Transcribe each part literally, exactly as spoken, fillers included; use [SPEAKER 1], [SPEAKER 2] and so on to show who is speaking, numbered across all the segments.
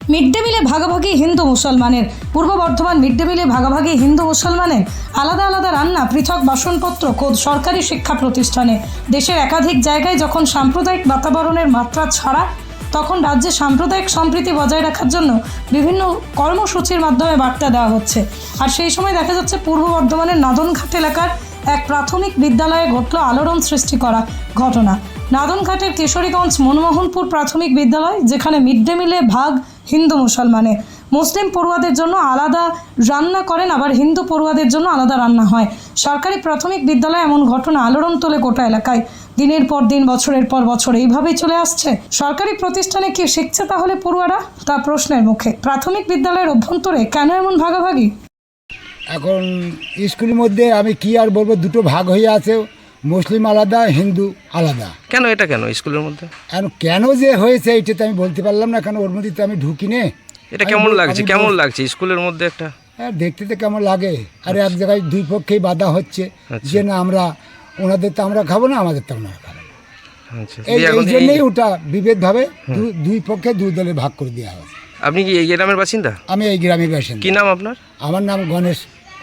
[SPEAKER 1] Mid day মিলে ভাগাভাগি হিন্দু মুসলমানের। পূর্ব বর্ধমান মিড ডে মিলে ভাগাভাগি হিন্দু মুসলমানের। আলাদা আলাদা রান্না, পৃথক বাসনপত্র খোদ সরকারি শিক্ষা প্রতিষ্ঠানে। দেশের একাধিক জায়গায় যখন সাম্প্রদায়িক বাতাবরণের মাত্রা ছাড়া, তখন রাজ্যে সাম্প্রদায়িক সম্প্রীতি বজায় রাখার জন্য বিভিন্ন কর্মসূচির মাধ্যমে বার্তা দেওয়া হচ্ছে। আর সেই সময় দেখা যাচ্ছে পূর্ব বর্ধমানের নাদনঘাট এলাকার এক প্রাথমিক বিদ্যালয়ে ঘটল আলোড়ন সৃষ্টি করা ঘটনা। নাদনঘাটের কেশরীগঞ্জ মনমোহনপুর প্রাথমিক বিদ্যালয়, যেখানে মিড ডে মিলে ভাগ হিন্দু মুসলমানে। মুসলিম পড়ুয়াদের জন্য আলাদা রান্না করেন, আবার হিন্দু পড়ুয়াদের জন্য আলাদা রান্না হয়। সরকারি প্রাথমিক বিদ্যালয়ে এমন ঘটনা আলোড়ন তোলে গোটা এলাকায়। দিনের পর দিন, বছরের পর বছর এইভাবেই চলে আসছে। সরকারি প্রতিষ্ঠানে কি শিখছে তাহলে পড়ুয়ারা, তা প্রশ্নের মুখে। প্রাথমিক বিদ্যালয়ের অভ্যন্তরে কেন এমন ভাগাভাগি?
[SPEAKER 2] এখন স্কুলের মধ্যে আমি কি আর বলবো, দুটো ভাগ হয়ে আছে, মুসলিম আলাদা, হিন্দু আলাদা।
[SPEAKER 3] কেন এটা কেন স্কুলের মধ্যে?
[SPEAKER 2] এখন কেন যে হয়েছে এইটা তো আমি বলতে পারলাম না, কেন ওর মধ্যে তো আমি ঢুকি নে।
[SPEAKER 3] এটা কেমন লাগছে কেমন লাগছে স্কুলের মধ্যে একটা?
[SPEAKER 2] হ্যাঁ, দেখতে তো কেমন লাগে। আর এক জায়গায় দুই পক্ষেই বাধা হচ্ছে যে না, আমরা ওনাদের তো আমরা খাবো না, আমাদের তো আমরা খাবো না। এই এই জন্যই ওটা বিভেদভাবে দুই পক্ষে দুই দলে ভাগ করে দেওয়া হয়।
[SPEAKER 3] আপনি কি এই গ্রামের বাসিন্দা?
[SPEAKER 2] আমি এই গ্রামের বাসিন্দা।
[SPEAKER 3] কি নাম আপনার?
[SPEAKER 2] আমার নাম গণেশ।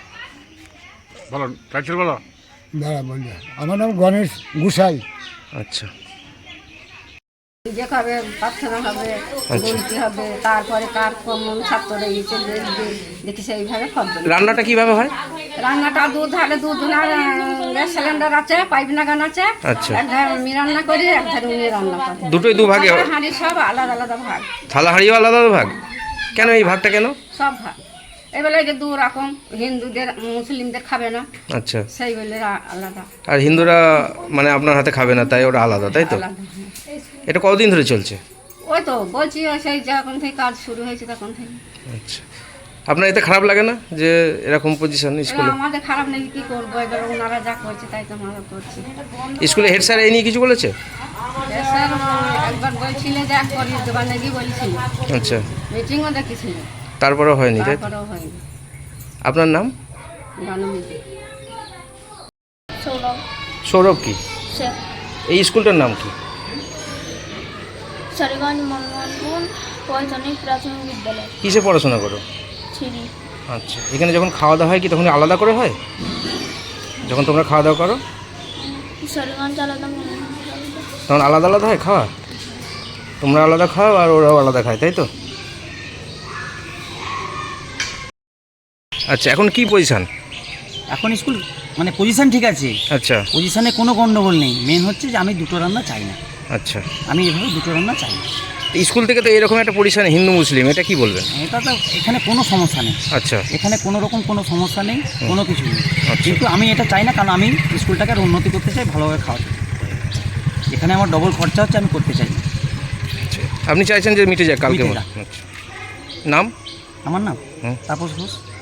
[SPEAKER 4] বলো টাইটেল বলো।
[SPEAKER 2] দাঁড়া বলবে, আমার নাম গণেশ গুসাই।
[SPEAKER 3] আচ্ছা,
[SPEAKER 5] যে খাবে প্রার্থনা হবে, বলতে হবে, তারপরে কার কমন ছাত্র রয়েছে দেখি সেইভাবে ফল।
[SPEAKER 3] রান্নাটা কিভাবে হয়?
[SPEAKER 5] রান্নাটা দুধ হালে দুধ না, গ্যাস সিলিন্ডার আছে, পাইপ লাগানো আছে।
[SPEAKER 3] আচ্ছা,
[SPEAKER 5] এক ধারে আমি রান্না করি, এক ধারে উনি রান্না করে।
[SPEAKER 3] দুটোই দু ভাগে?
[SPEAKER 5] হাঁড়ি সব আলাদা আলাদা ভাগ।
[SPEAKER 3] থালা হাঁড়িও আলাদা আলাদা ভাগ? কেন এই ভাগটা কেন?
[SPEAKER 5] সব ভাগ এবেলা যে দু রকম, হিন্দুদের মুসলিমদের খাবে না,
[SPEAKER 3] আচ্ছা,
[SPEAKER 5] সেই বলে আলাদা।
[SPEAKER 3] আর হিন্দুরা মানে আপনার হাতে খাবে না, তাই ওরা আলাদা, তাই তো?
[SPEAKER 5] আলাদা।
[SPEAKER 3] এটা কতদিন ধরে চলছে?
[SPEAKER 5] ওই তো বলছি, সেই যখন থেকে কাজ শুরু হয়েছে তখন থেকে।
[SPEAKER 3] আচ্ছা, আপনার এতে খারাপ লাগে না যে এরকম পজিশন স্কুলে?
[SPEAKER 5] আমাদের খারাপ নাকি, কি করবো, এবার ওনারা যা করছে তাই তো আমরা করছি।
[SPEAKER 3] স্কুলে হেড স্যার এই নিয়ে কিছু বলেছে?
[SPEAKER 5] স্যার একবার বলছিল যে এক করিয়ে দেবার নাকি বলছিল।
[SPEAKER 3] আচ্ছা,
[SPEAKER 5] মিটিংও দেখেছিল,
[SPEAKER 3] তারপরেও হয়নি, তাই?
[SPEAKER 5] তারপরেও হয়নি।
[SPEAKER 3] আপনার নাম?
[SPEAKER 5] গানমিতি।
[SPEAKER 6] সৌরভ
[SPEAKER 3] সৌরভ কি?
[SPEAKER 6] শেখ।
[SPEAKER 3] এই স্কুলটার নাম কি?
[SPEAKER 6] কেশরীগঞ্জ মনমোহনপুর প্রাথমিক প্রাথমিক বিদ্যালয়।
[SPEAKER 3] কিসে পড়াশোনা করো?
[SPEAKER 6] থ্রি।
[SPEAKER 3] আচ্ছা, এখানে যখন খাওয়া দাওয়া হয় কি তখন আলাদা করে হয়? যখন তোমরা খাওয়া দাওয়া করো
[SPEAKER 6] কেশরীগঞ্জ আলাদা, মনমোহনপুর আলাদা।
[SPEAKER 3] তখন আলাদা আলাদা হয় খাওয়া? তোমরা আলাদা খাও আর ওরাও আলাদা খায়, তাই তো? আচ্ছা, এখন কি পজিশন?
[SPEAKER 7] এখন স্কুল মানে পজিশন ঠিক আছে।
[SPEAKER 3] আচ্ছা,
[SPEAKER 7] পজিশনে কোনো গন্ডগোল নেই। মেন হচ্ছে যে আমি দুটো রান্না চাই না।
[SPEAKER 3] আচ্ছা,
[SPEAKER 7] আমি এভাবে দুটো রান্না চাই না।
[SPEAKER 3] স্কুল থেকে তো এরকম একটা পজিশন হিন্দু মুসলিম, এটা কি বলবেন?
[SPEAKER 7] এটা তো এখানে কোনো সমস্যা নেই।
[SPEAKER 3] আচ্ছা,
[SPEAKER 7] এখানে কোনো রকম কোনো সমস্যা নেই, কোনো কিছু নেই।
[SPEAKER 3] আচ্ছা।
[SPEAKER 7] কিন্তু আমি এটা চাই না, কারণ আমি স্কুলটাকে আর উন্নতি করতে চাই, ভালোভাবে খাওয়াতে। এখানে আমার ডবল খরচা হচ্ছে, আমি করতে চাই না।
[SPEAKER 3] আচ্ছা, আপনি চাইছেন যে মিটে যাক কালকে?
[SPEAKER 7] মিটে যাক।
[SPEAKER 3] আচ্ছা, নাম?
[SPEAKER 7] আমার নাম
[SPEAKER 3] হুম।
[SPEAKER 7] তাপস ঘোষ।